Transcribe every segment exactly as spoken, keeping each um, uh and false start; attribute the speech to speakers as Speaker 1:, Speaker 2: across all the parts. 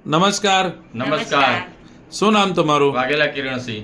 Speaker 1: નમસ્કાર.
Speaker 2: નમસ્કાર.
Speaker 1: શું નામ તમારું?
Speaker 2: વાઘેલા કિરણસિંહ.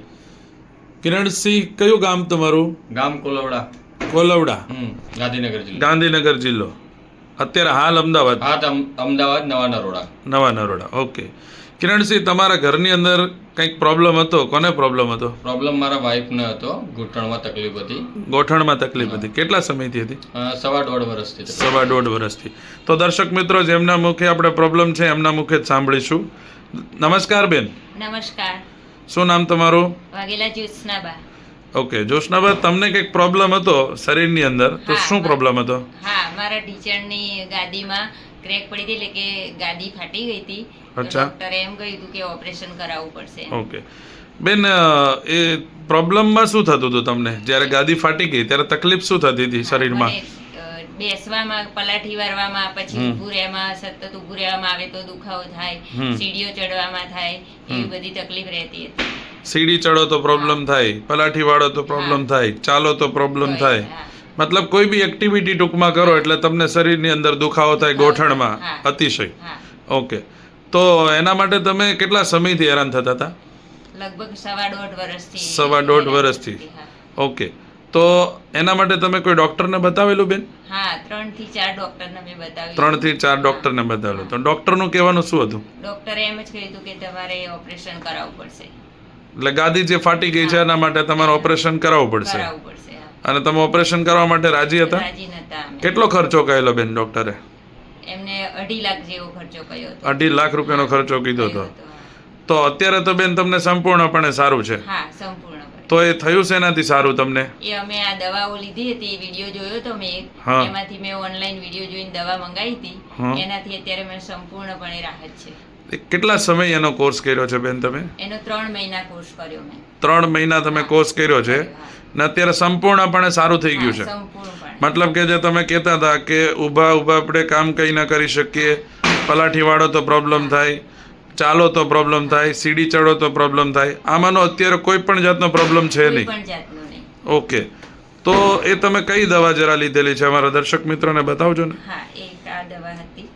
Speaker 1: કિરણસિંહ, કયું ગામ તમારું?
Speaker 2: ગામ કોલવડા.
Speaker 1: કોલવડા,
Speaker 2: હમ ગાંધીનગર જિલ્લો.
Speaker 1: ગાંધીનગર જિલ્લો. અત્યારે હાલ અમદાવાદ.
Speaker 2: હા તો અમ- અમદાવાદ નવા નરોડા.
Speaker 1: નવા નરોડા. ઓકે. કિરણસિંહ, તમારા ઘરની અંદર કંઈક પ્રોબ્લેમ હતો. કોને પ્રોબ્લેમ હતો?
Speaker 2: પ્રોબ્લેમ મારા વાઈફને હતો. ઘૂંટણમાં તકલીફ હતી.
Speaker 1: ગોઠણમાં તકલીફ હતી. કેટલા સમયથી હતી?
Speaker 2: અ, સવા દોઢ વર્ષથી તકલીફ.
Speaker 1: સવા દોઢ વર્ષથી. તો દર્શક મિત્રો, જેમના મુખે આપણે પ્રોબ્લેમ છે એમના મુખે જ સાંભળીશું. નમસ્કાર બેન,
Speaker 3: નમસ્કાર.
Speaker 1: શું નામ તમારું?
Speaker 3: વાઘેલા જ્યોત્સનાબા.
Speaker 1: ઓકે, જોશનાબા, તમને કંઈક પ્રોબ્લેમ હતો શરીરની અંદર, તો
Speaker 3: હા,
Speaker 1: શું
Speaker 3: બસ.
Speaker 1: પ્રોબ્લેમ હતો?
Speaker 3: હા, મારા ટીચરની ગાદીમાં ક્રેક પડી હતી, એટલે કે ગાદી ફાટી ગઈ હતી. તો
Speaker 1: અચ્છા.
Speaker 3: ડોક્ટરે એમ કહ્યું હતું કે ઓપરેશન કરાવવું પડશે.
Speaker 1: ઓકે બેન, અ, એ પ્રોબ્લેમમાં શું થતું હતું તમને? જ્યારે ગાદી ફાટી ગઈ ત્યારે તકલીફ શું થતી હતી શરીરમાં?
Speaker 3: મને, અ, બેસવામાં, પલાઠી વારવામાં, પછી
Speaker 1: હમ.
Speaker 3: ઊભું રહેવામાં, સતત ઊભું રહેવામાં આવે તો દુખાવો થાય,
Speaker 1: હમ.
Speaker 3: સીડીઓ ચડવામાં થાય, એવી
Speaker 1: હમ.
Speaker 3: બધી તકલીફ રહેતી હતી.
Speaker 1: સીડી ચડો તો પ્રોબ્લેમ થાય, પલાઠી વાળો તો પ્રોબ્લેમ
Speaker 3: હા.
Speaker 1: થાય, ચાલો તો પ્રોબ્લેમ
Speaker 3: તો એ-
Speaker 1: થાય.
Speaker 3: હા.
Speaker 1: મતલબ કોઈ બી એક્ટિવિટી ટૂંકમાં કરો એટલે તમને શરીરની અંદર દુખાવો થાય,
Speaker 3: દુખાવો થાય.
Speaker 1: ગોઠણમાં
Speaker 3: હા.
Speaker 1: અતિશય.
Speaker 3: હા,
Speaker 1: ઓકે, તો એના માટે તમે કેટલા સમયથી હેરાન થતા હતા?
Speaker 3: લગભગ સવા દોઢ વર્ષથી.
Speaker 1: સવા દોઢ વર્ષથી.
Speaker 3: હા.
Speaker 1: ઓકે, તો એના માટે તમે કોઈ ડૉક્ટરને બતાવેલું બેન?
Speaker 3: હા, ત્રણ થી ચાર ડોક્ટરને મેં બતાવ્યું.
Speaker 1: ત્રણ થી ચાર
Speaker 3: હા.
Speaker 1: ડૉક્ટરને બતાવેલું. તો ડૉક્ટરનું કહેવાનું શું હતું?
Speaker 3: ડોક્ટરે એમ જ કહ્યું હતું કે તમારે ઓપરેશન કરાવવું પડશે.
Speaker 1: એટલે ગાદી જે ફાટી ગઈ છે એના માટે તમારે ઓપરેશન કરાવવું પડશે.
Speaker 3: કરાવવું પડશે. હા.
Speaker 1: અને તમે ઓપરેશન કરવા માટે રાજી હતા?
Speaker 3: રાજી નતા અમે.
Speaker 1: કેટલો ખર્ચો કહેલો બેન ડૉક્ટરે?
Speaker 3: એમને અઢી લાખ જેવો ખર્ચો કર્યો હતો.
Speaker 1: અઢી લાખ રૂપિયાનો ખર્ચો કીધો હતો.
Speaker 3: કર્યો હતો, હા.
Speaker 1: તો અત્યારે તો બેન તમને સંપૂર્ણપણે સારું છે.
Speaker 3: હા, સંપૂર્ણપણે.
Speaker 1: તો એ થયું છે એનાથી સારું તમને?
Speaker 3: એ અમે આ દવાઓ લીધી હતી, વિડીયો જોયો તો મેં એક.
Speaker 1: હા.
Speaker 3: એમાંથી મેં ઓનલાઈન વિડીયો જોઈને દવા મંગાવી હતી.
Speaker 1: હા.
Speaker 3: એનાથી અત્યારે મને સંપૂર્ણપણે રાહત છે.
Speaker 1: એ કેટલા સમય એનો કોર્સ કર્યો છે બેન તમે?
Speaker 3: એનો ત્રણ મહિના કોર્સ કર્યો મેં.
Speaker 1: ત્રણ મહિના તમે
Speaker 3: હા.
Speaker 1: કોર્સ કર્યો છે
Speaker 3: હા.
Speaker 1: ને અત્યારે સંપૂર્ણપણે સારું થઈ ગયું
Speaker 3: હા,
Speaker 1: છે.
Speaker 3: સંપૂર્ણપણે.
Speaker 1: મતલબ કે જે તમે કહેતા હતા કે ઊભા ઊભા આપણે કામ કંઈ ના કરી શકીએ, પલાઠી વાળો તો પ્રોબ્લેમ થાય, ચાલો તો પ્રોબ્લેમ થાય, સીડી ચડો તો પ્રોબ્લેમ થાય, આમાંનો અત્યારે કોઈ પણ જાતનો પ્રોબ્લેમ છે
Speaker 3: કોઈ
Speaker 1: નહીં.
Speaker 3: પણ જાતનું નહીં.
Speaker 1: ઓકે, તો એ તમે કઈ દવા જરા લીધેલી છે અમારા દર્શક મિત્રોને બતાવજો ને.
Speaker 3: હા, એક આ દવા હતી.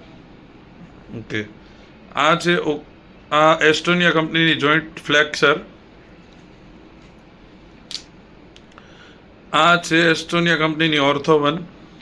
Speaker 1: ઓકે, આ છે ઓ- આ એસ્ટોનિયા કંપનીની જોઈન્ટ ફ્લેક્સર. આ છે એસ્ટોનિયા કંપનીની ઓર્થોવન.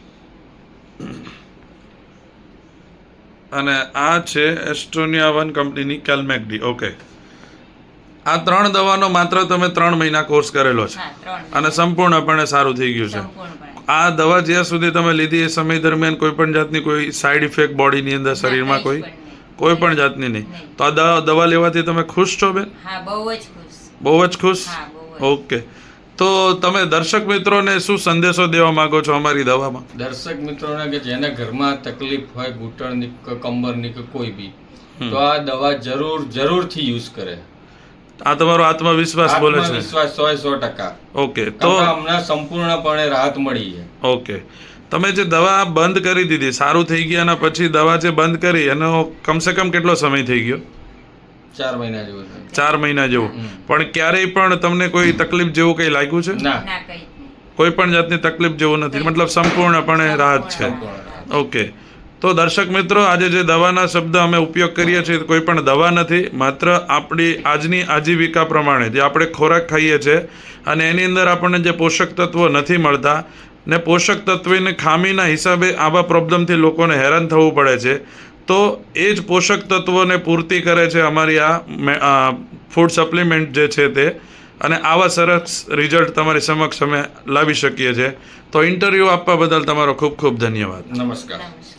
Speaker 1: અને આ છે એસ્ટોનિયા વન કંપનીની કેલ્મેકડી. ઓકે, આ ત્રણ દવાનો માત્ર તમે ત્રણ મહિના કોર્સ કરેલો છે
Speaker 3: હા, ત્રણ
Speaker 1: અને
Speaker 3: મહિના.
Speaker 1: સંપૂર્ણપણે સારું થઈ ગયું છે.
Speaker 3: સંપૂર્ણપણે.
Speaker 1: આ દવા જ્યાં સુધી તમે લીધી એ સમય દરમિયાન કોઈ પણ જાતની કોઈ સાઈડ ઇફેક્ટ બોડીની અંદર શરીરમાં
Speaker 3: ના,
Speaker 1: કોઈ
Speaker 3: કંઈ જ પણ નહીં.
Speaker 1: કોઈ પણ જાતની નહીં.
Speaker 3: નહીં.
Speaker 1: તો આ દવા દવા લેવાથી તમે ખુશ છો બેન?
Speaker 3: હા, બહુ જ ખુશ.
Speaker 1: બહુ જ ખુશ?
Speaker 3: હા, બહુ જ.
Speaker 1: ઓકે, તો તમે દર્શક મિત્રોને શું સંદેશો દેવા માંગો છો અમારી દવામાં?
Speaker 2: દર્શક મિત્રોને કે જેના ઘરમાં તકલીફ હોય ઘૂંટણની કે કમરની કે કોઈ બી, તો આ દવા જરૂર જરૂરથી યુઝ કરે.
Speaker 1: આ તમારો આત્મવિશ્વાસ બોલે છે.
Speaker 2: આત્મવિશ્વાસ સો સો ટકા.
Speaker 1: ઓકે, તો
Speaker 2: તો હમણાં સંપૂર્ણપણે રાહત મળી છે.
Speaker 1: ઓકે, તમે જે દવા બંધ કરી દીધી, સારું થઈ ગયા અને પછી દવા જે બંધ કરી એનો કમસે કમ કેટલો સમય થઈ ગયો?
Speaker 2: ચાર મહિના જેવું થયું.
Speaker 1: ચાર મહિના જેવું.
Speaker 2: હમ.
Speaker 1: પણ ક્યારેય પણ તમને કોઈ તકલીફ જેવું કંઈ લાગ્યું છે?
Speaker 2: ના,
Speaker 3: ના, કંઈ જ નહીં.
Speaker 1: કોઈ પણ જાતની તકલીફ જેવું નથી, મતલબ સંપૂર્ણપણે રાહત છે.
Speaker 2: સંપૂર્ણ રાહત.
Speaker 1: ઓકે, તો દર્શક મિત્રો, આજે જે દવાના શબ્દ અમે ઉપયોગ કરીએ છીએ કોઈ પણ દવા નથી, માત્ર આપણી આજની આજીવિકા પ્રમાણે જે આપણે ખોરાક ખાઈએ છીએ અને એની અંદર આપણને જે પોષક તત્વો નથી મળતા ને પોષક તત્વની ખામીના હિસાબે આવા પ્રોબ્લેમથી લોકોને હેરાન થવું પડે છે, તો એ જ પોષક તત્વોને પૂર્તિ કરે છે અમારી આ ફૂડ સપ્લિમેન્ટ જે છે તે. અને આવા સરસ રિઝલ્ટ તમારી સમક્ષ અમે લાવી શકીએ છીએ. તો ઇન્ટરવ્યૂ આપવા બદલ તમારો ખૂબ ખૂબ ધન્યવાદ.
Speaker 2: નમસ્કાર.
Speaker 3: નમસ્કાર.